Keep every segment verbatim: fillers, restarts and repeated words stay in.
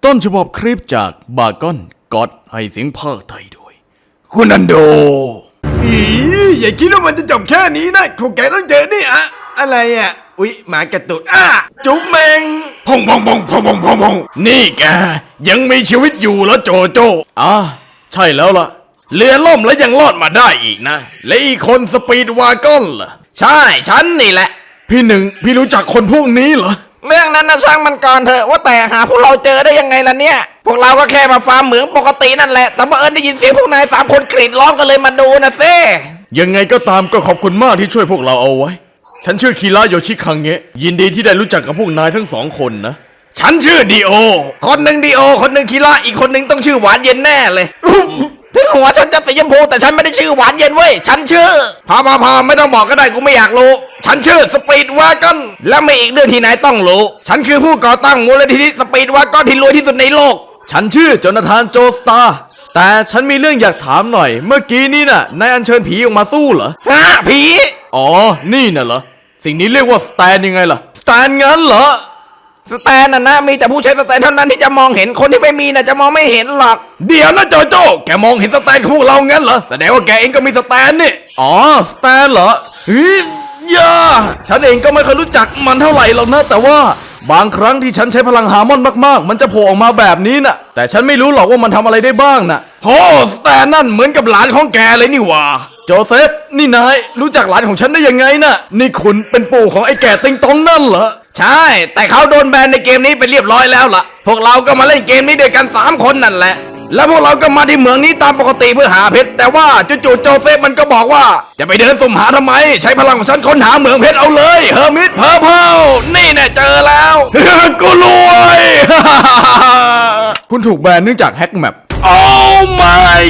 ต้นฉบับคลิปจากบากอนก็อดให้เสียงภาคไทยโดยคุณอันโดอีอย่าคิดว่ามันจะจบแค่นี้นะพวกแกต้องเจอนี่อะอะไรอ่ะอุ๊ยหมากระตุดอ่ะจุ๊บแมงพงพงพงพงพงพงพงนี่แกยังมีชีวิตอยู่แล้วโจโจอ่ะใช่แล้วล่ะเรือล่มแล้วยังรอดมาได้อีกนะและอีกคนสปีดวากอนล่ะใช่ฉันนี่แหละพี่หนึ่งพี่รู้จักคนพวกนี้เหรอเรื่องนั้นนะช่างมันก่อนเถอะว่าแต่หาพวกเราเจอได้ยังไงล่ะเนี่ยพวกเราก็แค่มาฟาร์มเหมืองปกตินั่นแหละแต่บังเอิญได้ยินเสียงพวกนายสามคนกรีดร้องกันเลยมาดูนะเซ่ยังไงก็ตามก็ขอบคุณมากที่ช่วยพวกเราเอาไว้ฉันชื่อคีระโยชิคังเงะยินดีที่ได้รู้จักกับพวกนายทั้งสองคนนะฉันชื่อดีโอคนหนึ่งดีโอคนหนึ่งคีระอีกคนหนึ่งต้องชื่อหวานเย็นแน่เลยถึงหัวฉันจะสีชมพูแต่ฉันไม่ได้ชื่อหวานเย็นเว้ยฉันชื่อพาพาพาไม่ต้องบอกก็ได้กูไม่อยากรู้ฉันชื่อสปีดวากอนและมีอีกเรื่องที่นายต้องรู้ฉันคือผู้ก่อตั้งมูลนิธิสปีดวากอนที่รวยที่สุดในโลกฉันชื่อโจนาธานโจสตาร์แต่ฉันมีเรื่องอยากถามหน่อยเมื่อกี้นี่น่ะนายอัญเชิญผีออกมาสู้เหรอฮะผีอ๋อนี่น่ะเหรอสิ่งนี้เรียกว่าสแตนยังไงล่ะสแตนงั้นเหรอสแตนน่ะนะมีแต่ผู้ใช้สแตนเท่านั้นที่จะมองเห็นคนที่ไม่มีน่ะจะมองไม่เห็นหรอกเดี๋ยวนะโจโจ้แกมองเห็นสแตนของพวกเรางั้นเหรอแสดงว่าแกเองก็มีสแตนนี่อ๋อสแตนเหรอเฮ้ยย่าฉันเองก็ไม่เคยรู้จักมันเท่าไหร่หรอกนะแต่ว่าบางครั้งที่ฉันใช้พลังฮาร์มอนมากๆมันจะโผล่ออกมาแบบนี้น่ะแต่ฉันไม่รู้หรอกว่ามันทำอะไรได้บ้างน่ะโอ้สแตนนั่นเหมือนกับหลานของแกเลยนี่หว่าโจเซฟนี่นายรู้จักหลานของฉันได้ยังไงน่ะนี่คุณเป็นปู่ของไอ้แก่ติงตองนั่นเหรอใช่แต่เขาโดนแบนในเกมนี้ไปเรียบร้อยแล้วล่ะพวกเราก็มาเล่นเกมนี้ด้วยกันสามคนนั่นแหละแล้วพวกเราก็มาที่เมืองนี้ตามปกติเพื่อหาเพชรแต่ว่าจู่ๆโจเซฟมันก็บอกว่าจะไปเดินสุ่มหาทำไมใช้พลังของฉันค้นหาเมืองเพชรเอาเลยเฮอร์มิตเพอร์เพลนี่แน่เจอแล้วกูรวย คุณถูกแบนเนื่องจากแฮกแมปโอ้ my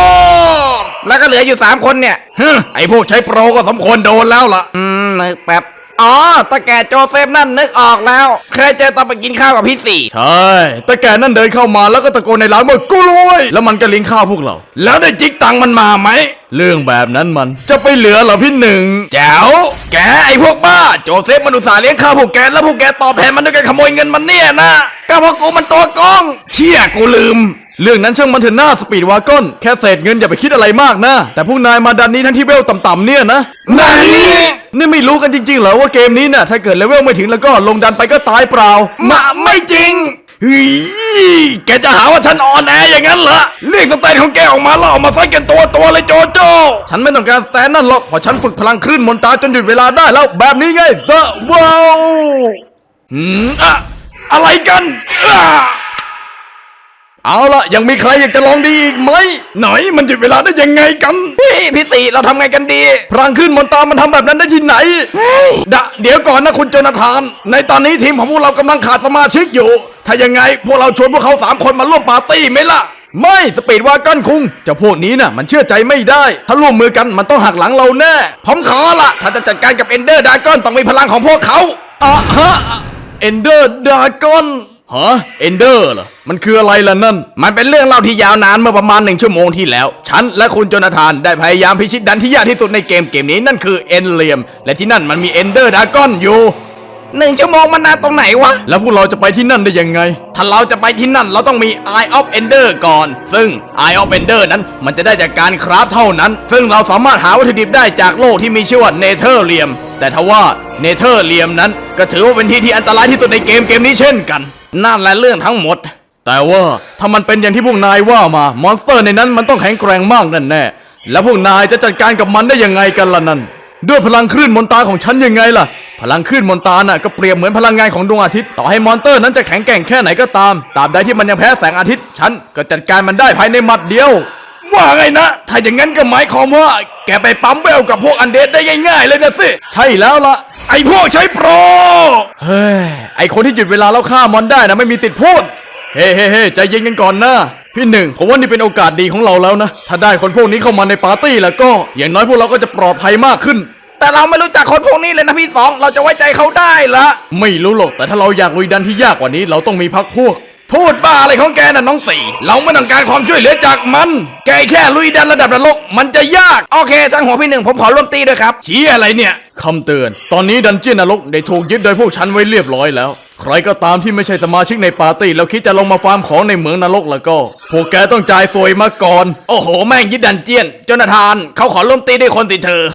god แล้วก็เหลืออยู่สามคนเนี่ยไอพวกใช้โปรก็สมควรโดนแล้วล่ะอืมนึกแป๊บอ๋อตาแก่โจเซฟนั่นนึกออกแล้วเคยเจอตอนไปกินข้าวกับพี่สี่ใช่ตาแก่นั่นเดินเข้ามาแล้วก็ตะโกนในร้านว่ากูรวยแล้วมันก็เลี้ยงข้าวพวกเราแล้วได้จิกตังมันมาไหมเรื่องแบบนั้นมันจะไปเหลือเหรอพี่หนึ่งแจ๋วแกไอพวกบ้าโจเซฟมันอุตส่าห์เลี้ยงข้าวพวกแกแล้วพวกแกตอบแทนมันด้วยการขโมยเงินมันเนี่ยนะก็เพราะกูมันตัวกองเชี่ยกูลืมเรื่องนั้นช่างมันเถอะหน้าสปีดวากอนแค่เศษเงินอย่าไปคิดอะไรมากนะแต่พวกนายมาดันนี้ทั้งที่เวลต่ำๆเนี่ยนะนายนี่ไม่รู้กันจริงๆเหรอว่าเกมนี้น่ะถ้าเกิดเลเวลไม่ถึงแล้วก็ลงดันไปก็ตายเปล่ามาไม่จริงเฮ้ยแกจะหาว่าฉันอ่อนแออย่างนั้นเหรอเรียกสแตนของแกออกมาแล้วออกมาไฟกันตัวตัวเลยโจโจฉันไม่ต้องการสแตนนั่นหรอกเพราะฉันฝึกพลังคลื่นมนตราจนหยุดเวลาได้แล้วแบบนี้ไงเซอร์ว้าวอืมอะอะไรกันอะเอาล่ะยังมีใครอยากจะลองดีอีกไหมไหนมันหยุดเวลาได้ยังไงกันพี่พี่สี่เราทำไงกันดีพลังขึ้นมนตรามันทำแบบนั้นได้ที่ไหนดะเดี๋ยวก่อนนะคุณโจนาธานในตอนนี้ทีมของพวกเรากำลังขาดสมาชิกอยู่ถ้ายังไงพวกเราชวนพวกเขาสามคนมาร่วมปาร์ตี้ไหมล่ะไม่สปีดวากอนคุงเจ้าพวกนี้น่ะมันเชื่อใจไม่ได้ถ้าร่วมมือกันมันต้องหักหลังเราแน่ผมขอละถ้าจะจัดการกับเอนเดอร์ดากอนต้องมีพลังของพวกเขาอ่ะฮะเอนเดอร์ดากอนฮะเอนเดอร์เหรอมันคืออะไรล่ะนั่นมันเป็นเรื่องเล่าที่ยาวนานเมื่อประมาณหนึ่งชั่วโมงที่แล้วฉันและคุณโจนาธานได้พยายามพิชิตดันที่ยากที่สุดในเกมเกมนี้นั่นคือเอนเลียมและที่นั่นมันมีเอนเดอร์ดากอนอยู่หนึ่งชั่วโมงมันนานตรงไหนวะแล้วพวกเราจะไปที่นั่นได้ยังไงถ้าเราจะไปที่นั่นเราต้องมี Eye of Ender ก่อนซึ่ง Eye of Ender นั้นมันจะได้จากการคราฟเท่านั้นซึ่งเราสามารถหาวัตถุดิบได้จากโลกที่มีชื่อว่าเนเธอร์เลียมแต่ทว่าเนเธอร์เลียมนั้นก็ถือว่าเป็นที่ที่อันตรายที่สุดในเกมเกมนี้เช่นกันนั่นแหละเรื่องทั้งหมดแต่ว่าถ้ามันเป็นอย่างที่พวกนายว่ามามอนสเตอร์ในนั้นมันต้องแข็งแกร่งมากแน่แน่แล้วพวกนายจะจัดการกับมันได้ยังไงกันล่ะนั่นด้วยพลังคลื่นมนตราของฉันยังไงล่ะพลังคลื่นมนตราน่ะก็เปรียบเหมือนพลังงานของดวงอาทิตย์ต่อให้มอนสเตอร์นั้นจะแข็งแกร่งแค่ไหนก็ตามตราบใดที่มันยังแพ้แสงอาทิตย์ฉันก็จัดการมันได้ภายในหมัดเดียวว่าไงนะถ้าอย่างนั้นก็หมายความว่าแกไปปั๊มเวลกับพวกอันเดดได้ง่ายๆเลยนะสิใช่แล้วล่ะไอพวกใช้โปรเฮ้ยไอคนที่หยุดเวลาแล้วฆ่ามอนได้นะไม่มีสิทธิ์พูดเฮ้เฮ้เฮ้ใจเย็นกันก่อนนะพี่หนึ่งผมว่านี่เป็นโอกาสดีของเราแล้วนะถ้าได้คนพวกนี้เข้ามาในปาร์ตี้แล้วก็อย่างน้อยพวกเราก็จะปลอดภัยมากขึ้นแต่เราไม่รู้จักคนพวกนี้เลยนะพี่สองเราจะไว้ใจเขาได้เหรอไม่รู้หรอกแต่ถ้าเราอยากลุยดันที่ยากกว่านี้เราต้องมีพักพวกพูดบ้าอะไรของแกน่ะน้องสี่เราไม่ต้องการความช่วยเหลือจากมันแกแค่ลุยดันระดับนรกมันจะยากโอเคช่างหัวพี่หนึ่งผมขอร่วมตีด้วยครับชี้อะไรเนี่ยคำเตือนตอนนี้ดันเจี้ยนนรกได้ถูกยึดโดยพวกฉันไว้เรียบร้อยแล้วใครก็ตามที่ไม่ใช่สมาชิกในปาร์ตี้แล้วคิดจะลงมาฟาร์มของในเหมืองนรกแล้วก็ พวกแกต้องจ่ายสวยมาก่อนโอ้โห แม่งยึดดันเจียนโจนาธานเขาขอร่วมตีด้วยคนสิเธอ